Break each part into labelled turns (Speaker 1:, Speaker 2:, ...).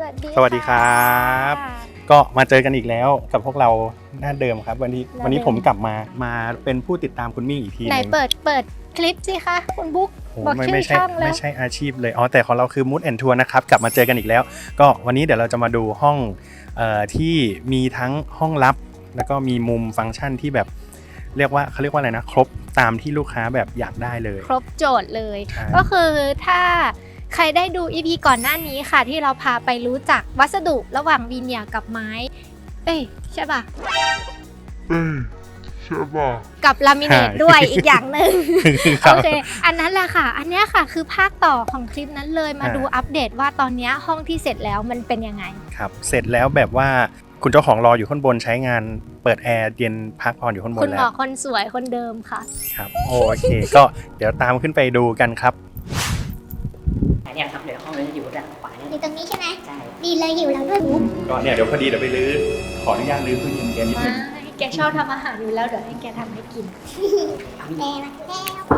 Speaker 1: สวัสดีครับก็มาเจอกันอีกแล้วกับพวกเราหน้าเดิมครับวันนี้ผมกลับมาเป็นผู้ติดตามคุณมิ่งอีกทีนึงไหน
Speaker 2: เปิดคลิปสิคะคุณบุ๊กบอกชื่อช่องแล้ว
Speaker 1: ไม่ใช่อาชีพเลยแต่ของเราคือ Mood and Tour นะครับกลับมาเจอกันอีกแล้วก็วันนี้เดี๋ยวเราจะมาดูห้องที่มีทั้งห้องลับแล้วก็มีมุมฟังก์ชันที่แบบเขาเรียกว่าอะไรนะครบตามที่ลูกค้าแบบอยากได้เลย
Speaker 2: ครบโจทย์เลยก็คือถ้าใครได้ดู EP ก่อนหน้านี้ค่ะที่เราพาไปรู้จักวัสดุระหว่างวีเนียร์กับไม้ใช่ป่ะกับลามิเนตด้วยอีกอย่างหนึ่งโอเคอันนั้นแหละค่ะอันนี้ค่ะคือภาคต่อของคลิปนั้นเลยมาดูอัปเดตว่าตอนนี้ห้องที่เสร็จแล้วมันเป็นยังไง
Speaker 1: ครับเสร็จแล้วแบบว่าคุณเจ้าของรออยู่ข้างบนใช้งานเปิดแอร์เย็นพักผ่อนอยู่ข้างบนแล้ว
Speaker 2: คุณหมอคนสวยคนเดิมค่ะ
Speaker 1: ครับโอเคก็เดี๋ยวตามขึ้นไปดูกันครับ
Speaker 3: เนี่ยครับเดี๋ยวห้องนี้จะอยู่ด้านขวา
Speaker 4: อยู่ตรงนี้ใช่ไหม
Speaker 3: ใช่
Speaker 4: ดีเลยอยู่แล้วด้วย
Speaker 1: ก็เนี่ยเดี๋ยวพอดีเดี๋ยวไปรื้อขออนุญาตรื้อตู้เย็นแกนิดนึง
Speaker 2: แกชอบทำอาหารอยู่แล้วเดี๋ยวให้แกทำให้กิน
Speaker 4: แม่มาแล้ว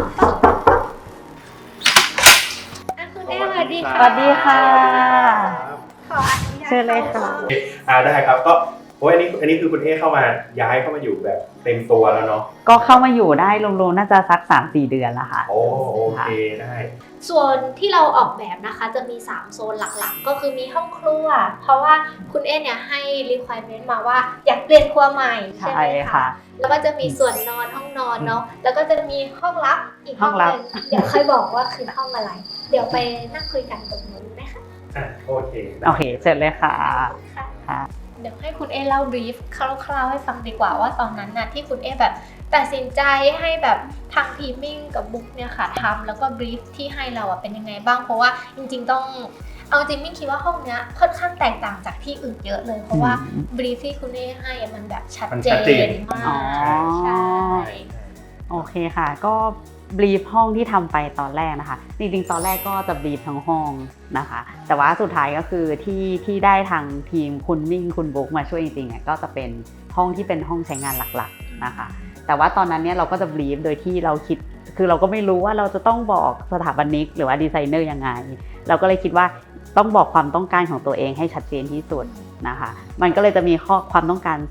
Speaker 2: คุณแม่สวัสดีค่ะ
Speaker 3: สวัสดีค่ะ
Speaker 2: ขออนุญาต
Speaker 3: เชิญเลยค่ะ
Speaker 1: ได้ครับก็อันนี้คือคุณเอเข้ามาย้ายเข้ามาอยู่แบบเต็มตัวแล้วเนาะ
Speaker 3: ก็เข้ามาอยู่ได้รวมๆน่าจะสัก 3-4 เดือนแล้วค่ะ
Speaker 1: โอเคได้
Speaker 2: ส่วนที่เราออกแบบนะคะจะมี3โซนหลักๆก็คือมีห้องครัวเพราะว่าคุณเอเนี่ยให้ requirement มาว่าอยากเปลี่ยนครัวใหม่ใช่ไหมคะแล้วก็จะมีส่วนนอนห้องนอนเนาะแล้วก็จะมีห้องลับอีกห้องนึงเดี๋ยวค่อยบอกว่าคือห้องอะไรเดี๋ยวไปนั่งคุยกันตรงนู้นนะคะ
Speaker 1: โอเค
Speaker 3: เสร็จเลยค่ะ
Speaker 2: ค่ะเดี๋ยวให้คุณเอเล่าบรีฟคร่าวๆให้ฟังดีกว่าว่าตอนนั้นน่ะที่คุณเอแบบตัดสินใจให้แบบทางทีมมิ่งกับบุ๊กเนี่ยค่ะทำแล้วก็บรีฟที่ให้เราเป็นยังไงบ้างเพราะว่าจริงๆต้องเอาจริงมิ่งคิดว่าห้องเนี้ยค่อนข้างแตกต่างจากที่อื่นเยอะเลยเพราะว่าบรีฟที่คุณเอให้มันแบบชัดเจนมากใช่
Speaker 3: โอเคค่ะก็บรีฟห้องที่ทำไปตอนแรกนะคะจริงๆตอนแรกก็จะบรีฟทั้งห้องนะคะแต่ว่าสุดท้ายก็คือที่ได้ทางทีมคุณมิ่งคุณบุ๊กมาช่วยจริงๆก็จะเป็นห้องที่เป็นห้องใช้งานหลักๆนะคะแต่ว่าตอนนั้นเนี่ยเราก็จะบรีฟโดยที่เราคิดคือเราก็ไม่รู้ว่าเราจะต้องบอกสถาปนิกหรือว่าดีไซเนอร์ยังไงเราก็เลยคิดว่าต้องบอกความต้องการของตัวเองให้ชัดเจนที่สุดนะคะมันก็เลยจะมีข้อความต้องการ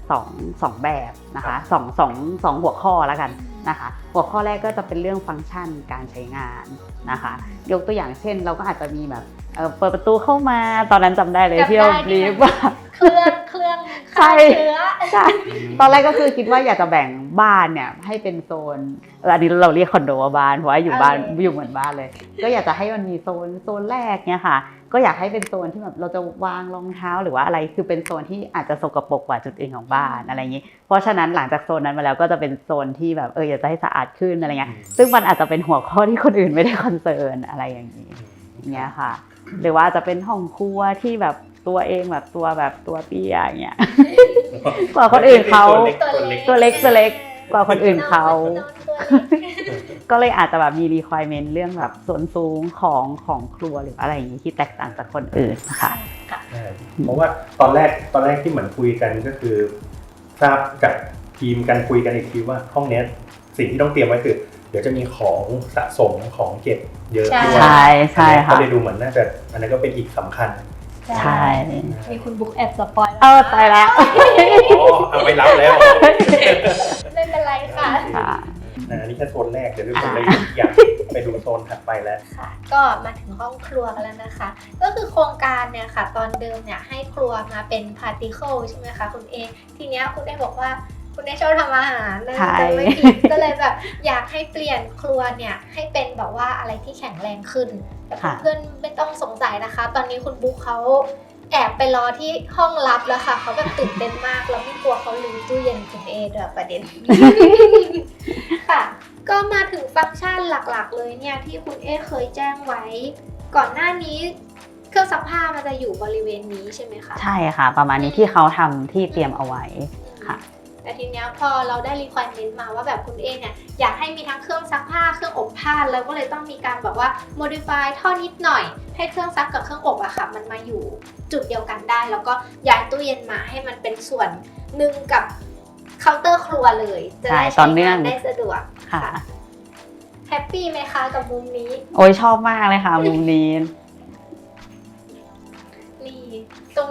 Speaker 3: 2แบบนะคะสองหัวข้อแล้วกันนะคะหัวข้อแรกก็จะเป็นเรื่องฟังก์ชันการใช้งานนะคะยกตัวอย่างเช่นเราก็อาจจะมีแบบเปิดประตูเข้ามาตอนนั้นจำได้เลยที่เราบรีฟว่า
Speaker 2: เครื่องฆ่าเชื้อ
Speaker 3: ใช่ตอนแรกก็คือคิดว่าอยากจะแบ่งบ้านเนี่ยให้เป็นโซนอันนี้เราเรียกคอนโดว่าบ้านเพราะว่าอยู่บ้านอยู่เหมือนบ้านเลยก็อยากจะให้มันมีโซนแรกเนี่ยค่ะก็อยากให้เป็นโซนที่แบบเราจะวางรองเท้าหรือว่าอะไรคือเป็นโซนที่อาจจะสกปรกกว่าจุดอื่นของบ้านอะไรอย่างนี้เพราะฉะนั้นหลังจากโซนนั้นมาแล้วก็จะเป็นโซนที่แบบอยากจะให้สะอาดขึ้นอะไรเงี้ยซึ่งมันอาจจะเป็นหัวข้อที่คนอื่นไม่ได้คอนเซิร์นอะไรอย่างนี้เนี่ยค่ะหรือว่าจะเป็นห้องครัวที่แบบตัวเองแบบตัวเตี้ยอย่างเงี้ยกว่าคนอื่นเขาตัวเล็กกว่าคนอื่นเขาก็เลยอาจจะแบบมี requirement เรื่องแบบส่วนสูงของครัวหรืออะไรอย่างนี้ที่แตกต่างจากคนอื่นนะคะ
Speaker 1: เพราะว่าตอนแรกที่เหมือนคุยกันก็คือทราบกับทีมกันคุยกันอีกทีว่าห้องนี้สิ่งที่ต้องเตรียมไว้คือเดี๋ยวจะมีของสะสมของเก็บเยอะด้วย
Speaker 3: ใช่ค่ะ
Speaker 1: ก็เลยดูเหมือนน่าจะอันนั้นก็เป็นอีกสำคัญ
Speaker 3: ใช่
Speaker 2: มีคุณบุ๊กแอบสปอย
Speaker 3: ตายแล้ว
Speaker 1: เอาไปรับแล้ว
Speaker 2: ไม่เป็นไรค่ะ
Speaker 1: อันนี้แค่โซนแรกเดี๋ยวผมเลยอยากไปดูโซนถัดไปแล้ว
Speaker 2: ค่ะก็มาถึงห้องครัวกันแล้วนะคะก็คือโครงการเนี่ยค่ะตอนเดิมเนี่ยให้ครัวมาเป็นพาร์ติเคิลใช่ไหมคะคุณเอทีเนี้ยคุณได้บอกว่าคุณได้ชอบทำอาหารนะจะไม่ผิดก็เลยแบบอยากให้เปลี่ยนครัวเนี่ยให้เป็นแบบว่าอะไรที่แข็งแรงขึ้นแต่เพื่อนไม่ต้องสงสัยนะคะตอนนี้คุณบุ๊กเขาแอบไปรอที่ห้องลับแล้วค่ะเขาแบบตื่นเต้นมากแล้วไม่กลัวเขาลืมตู้เย็นคุณเอด้วยประเด็นค่ะก็มาถึงฟังก์ชันหลักๆเลยเนี่ยที่คุณเอเคยแจ้งไว้ก่อนหน้านี้เครื่องซักผ้ามันจะอยู่บริเวณนี้ใช่ไหมคะ
Speaker 3: ใช่ค่ะประมาณนี้ที่เขาทำที่เตรียมเอาไว้ค่ะ
Speaker 2: แต่ทีนี้พอเราได้ requirement มาว่าแบบคุณเอเนี่ยอยากให้มีทั้งเครื่องซักผ้าเครื่องอบผ้าแล้วก็เลยต้องมีการแบบว่า modify ท่อนิดหน่อยให้เครื่องซักกับเครื่องอบอะค่ะมันมาอยู่จุดเดียวกันได้แล้วก็ย้ายตู้เย็นมาให้มันเป็นส่วนหนึ่งกับเคาน์เตอร์ครัวเลยจะได้ใช้งานได้สะดวกค่ะแฮปปี้ไหมคะกับมุมนี้
Speaker 3: โอ้ยชอบมากเลยค่ะมุมนี้
Speaker 2: นี่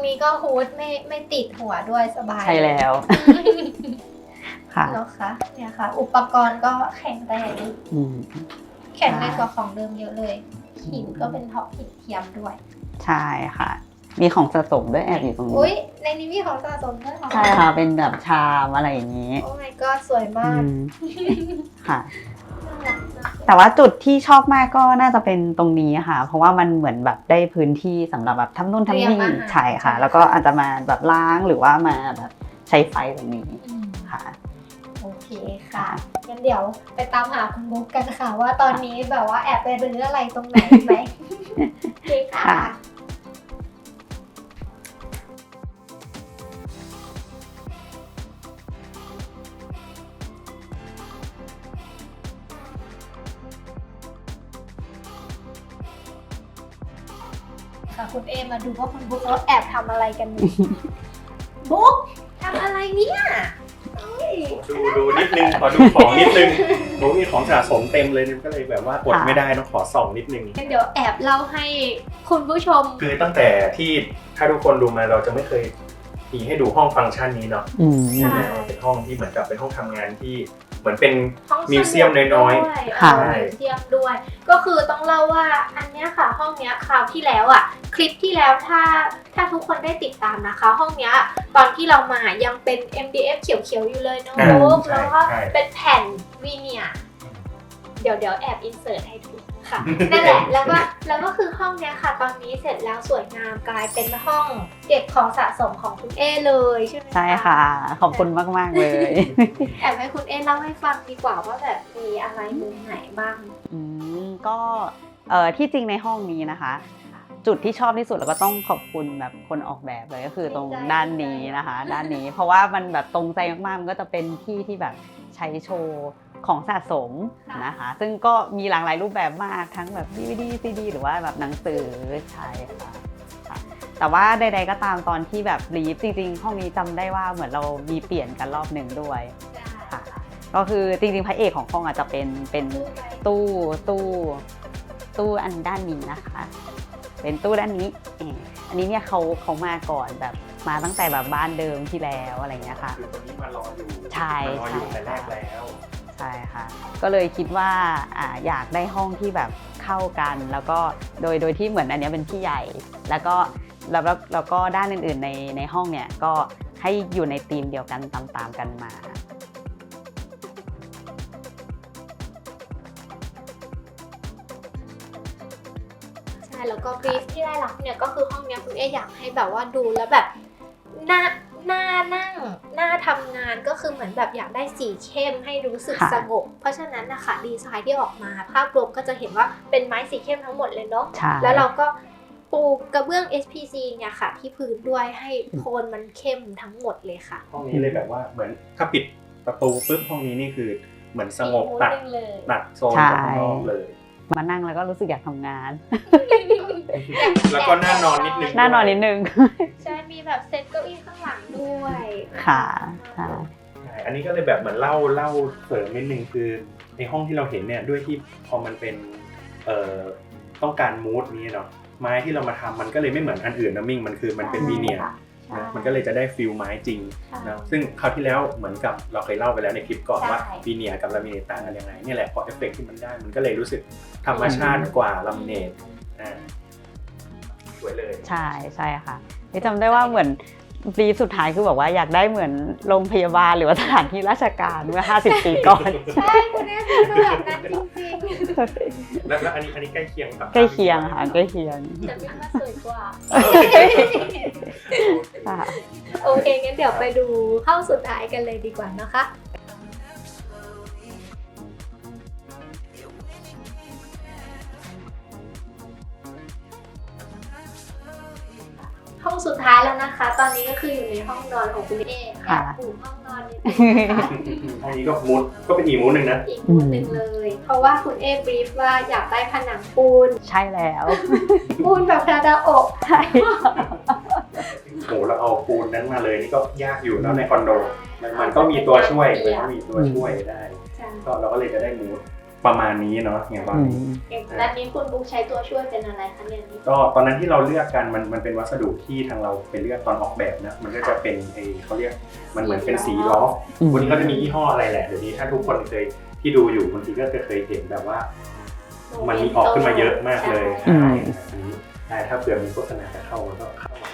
Speaker 2: นี้ก็ฮูดไม่ติดหัวด้วยสบาย
Speaker 3: ใช่แล้ว ค่ะ
Speaker 2: แล้วคะเนี่ยค่ะ อุปกรณ์ก็แข็งแรง
Speaker 3: อืม
Speaker 2: แข็งแรงกว่าของเดิมเยอะเลยหินก็เป็นท็อปหินเทียมด้วย
Speaker 3: ใช่ค่ะ มีของสะสมด้วยแอบอยู่ตรงนี้
Speaker 2: อุ้ยในนี้มีของสะสมด้วยเหรอ
Speaker 3: ใช่ค่ะ เป็นแบบชามอะไรอย่างนี้
Speaker 2: โอ้ my god สวย
Speaker 3: อื
Speaker 2: มาก
Speaker 3: มค่ะ
Speaker 2: น่ารักมาก
Speaker 3: แต่ว่าจุดที่ชอบมากก็น่าจะเป็นตรงนี้ค่ะ เพราะว่ามันเหมือนแบบได้พื้นที่สำหรับแบบทำนู่นทำนี่ใช่ค่ะ แล้วก็อาจจะมาแบบล้างหรือว่ามาแบบใช้ไฟตรงนี้
Speaker 2: อืม
Speaker 3: ค่ะ
Speaker 2: โอเคค่ะงั้นเดี๋ยวไปตามหาคุณบุ๊กกันค่ะ ว่าตอนนี้แบบว่าแอบไปรื้ออะไรตรงไหนไหม โอเคค่ะ
Speaker 3: ค่ะ
Speaker 2: ค่ะคุณเอมาดูว่าคุณบุ๊กเขาแอบทำอะไรกันอยู่ บุ๊กทำอะไรเนี่ยเอ้ย
Speaker 1: ดูนิดนึงขอดูของนิดนึงโอ้มีของสะสมเต็มเลยก็เลยแบบว่าอดไม่ได้ต้องขอส่องนิดนึง
Speaker 2: งั้นเดี๋ยวแอบเล่าให้คุณผู้ชม
Speaker 1: คือตั้งแต่ที่ถ้าทุกคนดูมาเราจะไม่เคยมีให้ดูห้องฟังก์ชันนี้เนาะ
Speaker 3: อืม
Speaker 2: ใช่
Speaker 1: เป็นห้องที่เหมือนกับเป็นห้องทำงานที่เหมือนเป็น
Speaker 2: ห้องสมุด
Speaker 1: มิวเซียมน้อย
Speaker 2: ด้วย
Speaker 3: ค่ะ
Speaker 2: มิวเซียมด้วย ก็คือต้องเล่าว่าอันเนี้ยค่ะ ห้องเนี้ยคราวที่แล้วอ่ะ คลิปที่แล้วถ้าทุกคนได้ติดตามนะคะ ห้องเนี้ยตอนที่เรามายังเป็น MDF เขียวๆอยู่เลยเนาะ
Speaker 1: อ่า
Speaker 2: บุ๊ก
Speaker 1: ใช่
Speaker 2: แล้วก็
Speaker 1: ใช่
Speaker 2: เป็นแผ่นวีเนียร์เดี๋ยวแอบอินเสิร์ตให้ดูค่ะ นั่นแหละแล้วก็คือห้องเนี้ยค่ะ ตอนนี้เสร็จแล้วสวยงามกลายเป็นห้องเก็บของสะสมของคุณเอเลยใช่ไหม
Speaker 3: ใช่ค่ะ ขอบคุณมาก ๆ เลย
Speaker 2: แอบให้คุณเอเล่าให้ฟังดีกว่าว่าแบบมีอะไรมุมไหนบ้าง
Speaker 3: ก็ที่จริงในห้องนี้นะคะ จุดที่ชอบที่สุดแล้วก็ต้องขอบคุณแบบคนออกแบบเลยก็คือตรงด้านนี้นะคะ ด้านนี้เพราะว่ามันแบบตรงใจมากๆมันก็จะเป็นที่ที่แบบใช้โชว์ของสะสมนะคะ ซึ่งก็มีหลากหลายรูปแบบมากทั้งแบบ DVD CD หรือว่าแบบหนังสือใช่ค่ะ แต่ว่าใดๆก็ตามตอนที่แบบรีฟจริงๆห้องนี้จำได้ว่าเหมือนเรามีเปลี่ยนกันรอบหนึ่งด้วย ค่ะ ก็คือจริงๆพระเอกของห้องอาจจะเป็นตู้อันด้านนี้นะคะ เป็นตู้ด้านนี้อันนี้เนี่ยเขามาก่อนแบบมาตั้งแต่แบบบ้านเดิมที่แล้วอะไรเงี้ยค่ะ
Speaker 1: คือคนนี้มารออยู่
Speaker 3: ใช่
Speaker 1: มารออยู่แต่แรกแล้ว
Speaker 3: ใช่ค่ะ ก็เลยคิดว่าอยากได้ห้องที่แบบเข้ากันแล้วก็โดยที่เหมือนอันเนี้ยเป็นที่ใหญ่ แล้วก็ด้านอื่นๆในห้องเนี่ยก็ให้อยู่ในธีมเดียวกันตามๆกันมา
Speaker 2: ใช่แล้วก็บรีฟที่ได้รับเนี่ยก็คือห้องเนี้ยคุณเออยากให้แบบว่าดูแล้วแบบน่านั่งน่าทำงานก็คือเหมือนแบบอยากได้สีเข้มให้รู้สึก
Speaker 3: ค่ะ
Speaker 2: สงบเพราะฉะนั้นนะคะดีไซน์ที่ออกมาภาพรวมก็จะเห็นว่าเป็นไม้สีเข้มทั้งหมดเลยเนาะ
Speaker 3: ใช่
Speaker 2: แล้วเราก็ปูกระเบื้อง SPC เนี่ยค่ะที่พื้นด้วยให้โทนมันเข้มทั้งหมดเลยค่ะ
Speaker 1: ห้องนี้เลยแบบว่าเหมือนถ้าปิดประตูปุ๊บห้องนี้นี่คือเหมือนสงบตัด
Speaker 2: เลย
Speaker 1: โซนจากข้างนอกเลย
Speaker 3: มานั่งแล้วก็รู้สึกอยากทำงาน
Speaker 1: แล้วก็น่านอนนิดนึง
Speaker 3: น่านอนนิดนึง
Speaker 2: ใช่มีแบบเซตเก้าอี้ข้างหลังด้วย
Speaker 3: ค่ะใช่
Speaker 1: ใช่อันนี้ก็เลยแบบเหมือนเล่าเสริมนิดนึงคือในห้องที่เราเห็นเนี่ยด้วยที่พอมันเป็นต้องการมูดนี้เนาะไม้ที่เรามาทำมันก็เลยไม่เหมือนอันอื่นนะมิ่งมันเป็นวีเนียร์
Speaker 2: ใช่
Speaker 1: นะมันก็เลยจะได้ฟิลไม้จริงนะซึ่งคราวที่แล้วเหมือนกับเราเคยเล่าไปแล้วในคลิปก่อน
Speaker 2: ใช่
Speaker 1: ว่าวีเนียร์กับลามิเนตต่างกันยังไงเนี่ยแหละพอเอฟเฟกต์ที่มันได้มันก็เลยรู้สึกธรรมชาติกว่าลามิเนตสวยเลย
Speaker 3: ใช่ค่ะจำได้ว่าเหมือนบรีฟสุดท้ายคือแบบว่าอยากได้เหมือนโรงพยาบาลหรือว่าสถานที่ราชการเมื่อ50 ปีก่อน
Speaker 2: ใช่คุณแม่คือแบบนั้นจริง
Speaker 1: แล้วอันนี้ใกล้เคียงกับ
Speaker 3: ใกล้เคียงค่ะใกล้เคียง
Speaker 2: ๆแต่ไม่ว่าสวยกว่า
Speaker 3: ค่ะ
Speaker 2: โอเคงั้นเดี๋ยวไปดูห้องสุดท้ายกันเลยดีกว่านะคะ ห้องสุดท้ายแล้วนะคะ ตอนนี้ก็คืออยู่ในห้องนอนของคุณเอค่ะปูห้องนอนนิดนึงนะคะ
Speaker 1: ห้องนี้ก็มูดก็เป็นอีกมูดหนึ่งนะ
Speaker 2: อีกมุมหนึ่งเลย เพราะว่าคุณเอบรีฟว่าอยากได้ผนังปูน
Speaker 3: ใช่แล้ว
Speaker 2: ปูนแบบกระดาษอก
Speaker 3: ใช่
Speaker 1: โหเราเอาปูนนั้นมาเลยนี่ก็ยากอยู่แล้วในคอนโดมันก็มีตัวช่วยมันก็มีตัวช่วยได้
Speaker 2: ใช่
Speaker 1: ก็เราก็เลยจะได้มูดประมาณนี้เนาะอย่างตอนนี้
Speaker 2: อย่างด้านนี้คุณบุ๊กใช้ตัวช่วยเป็นอะไรคะเนี่ย
Speaker 1: ก็ตอนนั้นที่เราเลือกกันมันเป็นวัสดุที่ทางเราไปเลือกตอนออกแบบนะมันก็จะเป็นเขาเรียกมันเหมือนเป็นสีล้อวันนี้ก็จะมียี่ห้ออะไรแหละเดี๋ยวนี้ถ้าทุกคนเคยที่ดูอยู่บางทีก็เคยเห็นแบบว่ามันมีออกขึ้นมาเยอะมากเลยใช่ถ้าเผื่อมีโฆษณาจะเข้ามันก็เข้ามา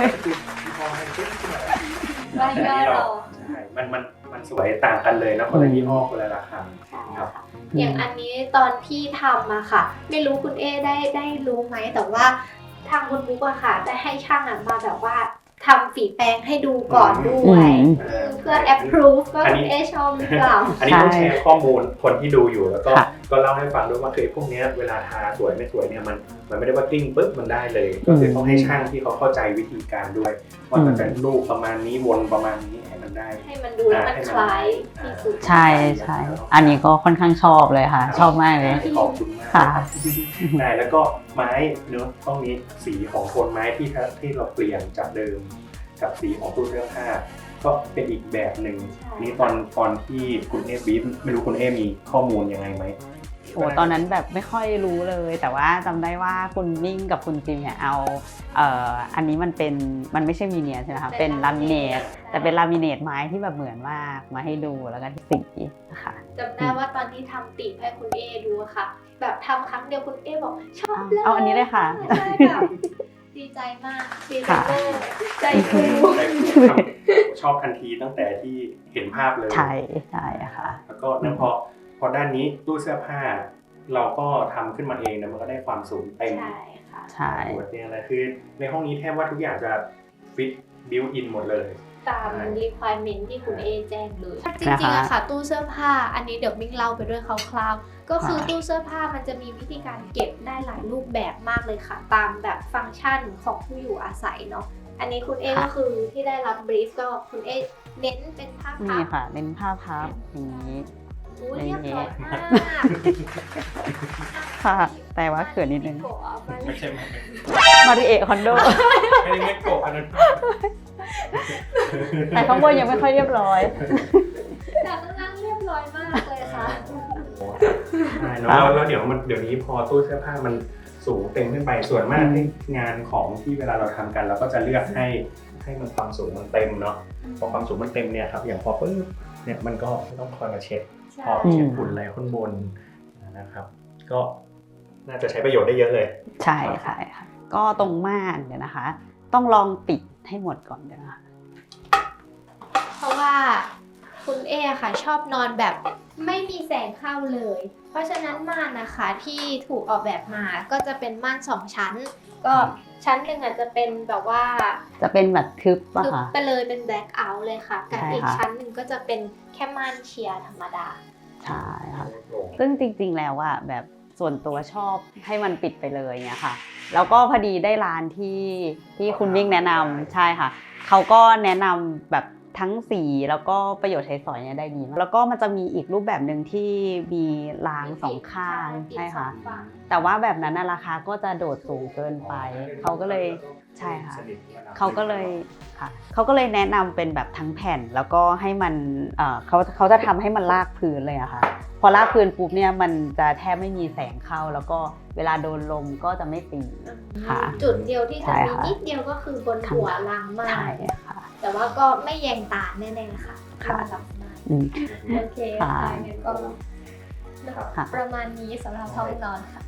Speaker 2: ว่าย่อเรา
Speaker 1: ใช่มันสวยต่างกันเลยนะคนละยี่ห้อคนละราคาครับ
Speaker 2: อย่างอันนี้ตอนที่ทำอะค่ะ ไม่รู้คุณเอได้รู้ไหมแต่ว่าทางคุณบุ๊กอะค่ะได้ให้ช่างอะมาแบบว่าทำฝีแปรงให้ดูก่อนด้วยเพื่อ approve ว่าคุณเอชอบหรือเปล่า
Speaker 1: อันนี้ต้องแชร์ข้อมูลคนที่ดูอยู่แล้วก็เล่าให้ฟังด้วยว่าคือพวกนี้เวลาทาสวยไม่สวยเนี่ยมันไม่ได้ว่ากลิ้งปุ๊บมันได้เลยก็คือต้องให้ช่างที่เขาเข้าใจวิธีการด้วยว่ามันเป็นรูปประมาณนี้วนประมาณนี้ให้มันได้
Speaker 2: ให้มันดูแล้วมันคล้ายที่สุด
Speaker 3: ใช่ใช่อันนี้ก็ค่อนข้างชอบเลยค่ะชอบมากเลย
Speaker 1: ขอบคุณมากได้แล้วก็ไม้เนื้อต้องนี้สีของโทนไม้ที่เราเปลี่ยนจากเดิมกับสีของตู้เสื้อผ้าก็เป็นอีกแบบหนึ่งนี่ตอนที่คุณเอบีฟไม่รู้คุณเอมีข้อมูลยังไงไหม
Speaker 3: โอ้ตอนนั้นแบบไม่ค่อยรู้เลยแต่ว่าจำได้ว่าคุณมิ่งกับคุณจิมเนี่ยเอาอันนี้มันไม่ใช่มีเนียใช่ไหมคะเป็นลามิเนตแต่เป็นลามิเนตไม้ที่แบบเหมือนมากมาให้ดูแล้วก็สีค่ะ
Speaker 2: จำได้ว่าตอนที่ทำติให้คุณเอดูค่ะแบบทำครั้งเดียวคุณเอบอกชอบเลย
Speaker 3: เอาอันนี้เลยค่ะ
Speaker 2: ใช่แบบดีใจมากดีใจมากใจฟู
Speaker 1: ชอบทันทีตั้งแต่ที่เห็นภาพเลย
Speaker 3: ใช่ใช่ค่ะ
Speaker 1: แล้วก็นั่นพอด้านนี้ตู้เสื้อผ้าเราก็ทำขึ้นมาเองนะมันก็ได้ความสูงเต็ม
Speaker 2: ใช่ค่ะ
Speaker 3: ใช่
Speaker 1: หัวเตียงอะไรคือในห้องนี้แทบว่าทุกอย่างจะฟิตบิวอินหมดเลย
Speaker 2: ตาม requirement ที่คุณเอแจ้งเลยจริงๆอะค่ะตู้เสื้อผ้าอันนี้เดี๋ยวมิ้งเล่าไปด้วยคร่าวๆก็คือตู้เสื้อผ้ามันจะมีวิธีการเก็บได้หลายรูปแบบมากเลยค่ะตามแบบฟังก์ชันของผู้อยู่อาศัยเนาะอันนี้คุณเอก็คือที่ได้รับบรีฟก็คุณเอเน้นเป็นผ้าพับ
Speaker 3: นี่ค่ะเน้นผ้าพับอย่างนี้
Speaker 2: เรียบร้อยมาก
Speaker 3: ค่ะแต่ว่าเขินนิดนึง
Speaker 1: ไม่ใช่
Speaker 3: มาริเอะคอนโด
Speaker 1: ไม่โกะอันนั้น
Speaker 3: แต่ข้างบนยังไม่ค่อยเรียบร้อย
Speaker 2: แต่ข้างล่างเรียบร้อยมากเลยค่ะ
Speaker 1: ใช่แล้วเดี๋ยวนี้พอตู้เสื้อผ้ามันสูงเต็มขึ้นไปส่วนมากงานของที่เวลาเราทำกันเราก็จะเลือกให้มันความสูงมันเต็มเนาะพอความสูงมันเต็มเนี่ยครับอย่างพอปุ๊บเนี่ยมันก็ไม่ต้องคอยมาเช็ดพอเช็ดฝุ่นอะไรข้างบนนะครับก็น่าจะใช้ประโยชน์ได้เยอะเลย
Speaker 3: ใช่ค่ะก็ตรงม่านเนี่ยนะคะต้องลองปิดให้หมดก่อนนะคะ
Speaker 2: เพราะว่าคุณเอค่ะชอบนอนแบบไม่มีแสงเข้าเลยเพราะฉะนั้นม่านนะคะที่ถูกออกแบบมาก็จะเป็นม่าน2ชั้นก็ชั้นหนึ่งอาจจะเป็นแบบว่า
Speaker 3: จะเป็นแบบทึบป่ะคะ
Speaker 2: ไปเลยเป็นแบล็คเอาท์เลยค่ะกับอีกชั้นหนึ่งก็จะเป็นแค่ม่านเชียร์ธรรมดา
Speaker 3: ใช่ค่ะซึ่งจริงๆแล้วอะแบบส่วนตัวชอบให้มันปิดไปเลยเนี่ยค่ะแล้วก็พอดีได้ร้านที่คุณมิ่งแนะนำใช่ค่ะเขาก็แนะนำแบบทั้งสีแล้วก็ประโยชน์ใช้สอยเนี่ยได้ดีแล้วก็มันจะมีอีกรูปแบบหนึ่งที่มีรางสองข้างใช่ค่ะแต่ว่าแบบนั้นราคาก็จะโดดสูงเกินไปเขาก็เลยใช่ค่ะเขาก็เลยแนะนำเป็นแบบทั้งแผ่นแล้วก็ให้มันเขาจะทำให้มันลากพื้นเลยอะค่ะพอลากพื้นปุ๊บเนี่ยมันจะแทบไม่มีแสงเข้าแล้วก็เวลาโดนลมก็จะไม่ตีค่ะ
Speaker 2: จุดเดียวที่จะมีนิดเดียวก็คือบนหัวรางมาก
Speaker 3: ใช่ค่ะ
Speaker 2: แต่ว่าก็ไม่แยงตาแน่ๆค่ะ
Speaker 3: ค่ะ
Speaker 2: โอเคค่ะงั้นก็ประมาณนี้สำหรับห้องนอนค่ะ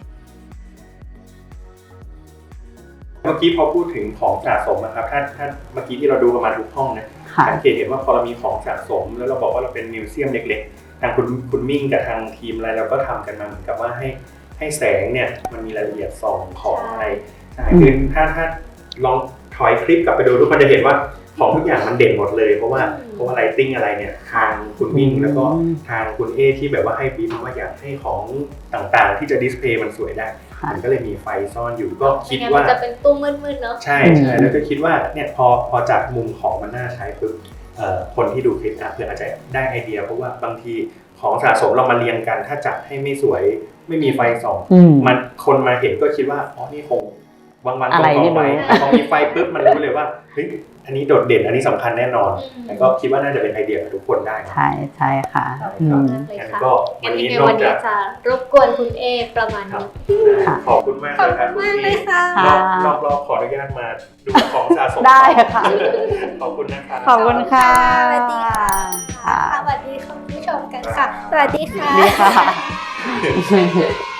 Speaker 1: เมื่อกี้พอพูดถึงของสะสมนะครับถ้าเมื่อกี้ที่เราดูประมาณทุกห้องนะสังเกตเห็นว่าพอเรามีของสะสมแล้วเราบอกว่าเราเป็นมิวเซียมเล็กๆทางคุณมิ่งกับทางทีมอะไรเราก็ทำกันมาเหมือนกับว่าให้แสงเนี่ยมันมีรายละเอียดส่องของอะไรคือถ้าลองถอยคลิปกลับไปดูทุกคนจะเห็นว่าของทุกอย่างมันเด่นหมดเลยเพราะว่าไลติ้งอะไรเนี่ยทางคุณมิ่งแล้วก็ทางคุณเอที่แบบว่าให้บีบว่าอยากให้ของต่างๆที่จะดิสเพย์มันสวยได้มันก็เลยมีไฟซ่อนอยู่ก็คิดว่า
Speaker 2: จะเป็นตู้มืดๆเนาะ
Speaker 1: ใช่แล้วก็คิดว่าเนี่ยพอจากมุมของมันน่าใช้ปุ๊บคนที่ดูคลิปเพื่ออาจจะได้ไอเดียเพราะว่าบางทีของสะสมเรามาเรียงกันถ้าจัดให้ไม่สวยไม่มีไฟส่องมันคนมาเห็นก็คิดว่าอ๋อนี่คงบางวัน
Speaker 3: อะไร
Speaker 1: ตรง
Speaker 3: ไม่
Speaker 1: ๆไป
Speaker 3: รู้
Speaker 1: พอมีไฟปุ๊บมันรู้เลยว่าเฮ้ยอันนี้โดดเด่นอันนี้สำคัญแน่นอนแต่ก็คิดว่าน่าจะเป็นไอเดียของทุกคนได้นะ
Speaker 3: ใช่ใช่ค่ะ
Speaker 1: ครับ
Speaker 3: อืม
Speaker 2: เลย
Speaker 1: งั้น
Speaker 2: ค่ะ
Speaker 1: ก็วั
Speaker 2: งั้
Speaker 1: น
Speaker 2: น
Speaker 1: นี้
Speaker 2: ยังไง
Speaker 1: นอ
Speaker 2: วั
Speaker 1: ก
Speaker 2: น
Speaker 1: จา
Speaker 2: นี้
Speaker 1: ก
Speaker 2: จะรบกวนคุณเอประมาณ
Speaker 1: ครับ
Speaker 2: นี้
Speaker 3: ค่ะ
Speaker 1: ขอบคุณมาก
Speaker 2: ขอ
Speaker 1: เล
Speaker 2: บ
Speaker 1: ยครับ
Speaker 2: คุณมากเลยค่ะ
Speaker 3: ค่ะ
Speaker 1: รอบขออนุญาตมาดูของสะสม
Speaker 3: ได้ค่ะ
Speaker 1: ขอบคุณนะครับ
Speaker 3: ขอบคุณค่ะ
Speaker 2: สวัสดีค่ะ
Speaker 3: ค่ะ
Speaker 2: สวัสดีคุณผู้ชมกันค่ะ สวัสดีค่ะ
Speaker 3: ดีค่ะ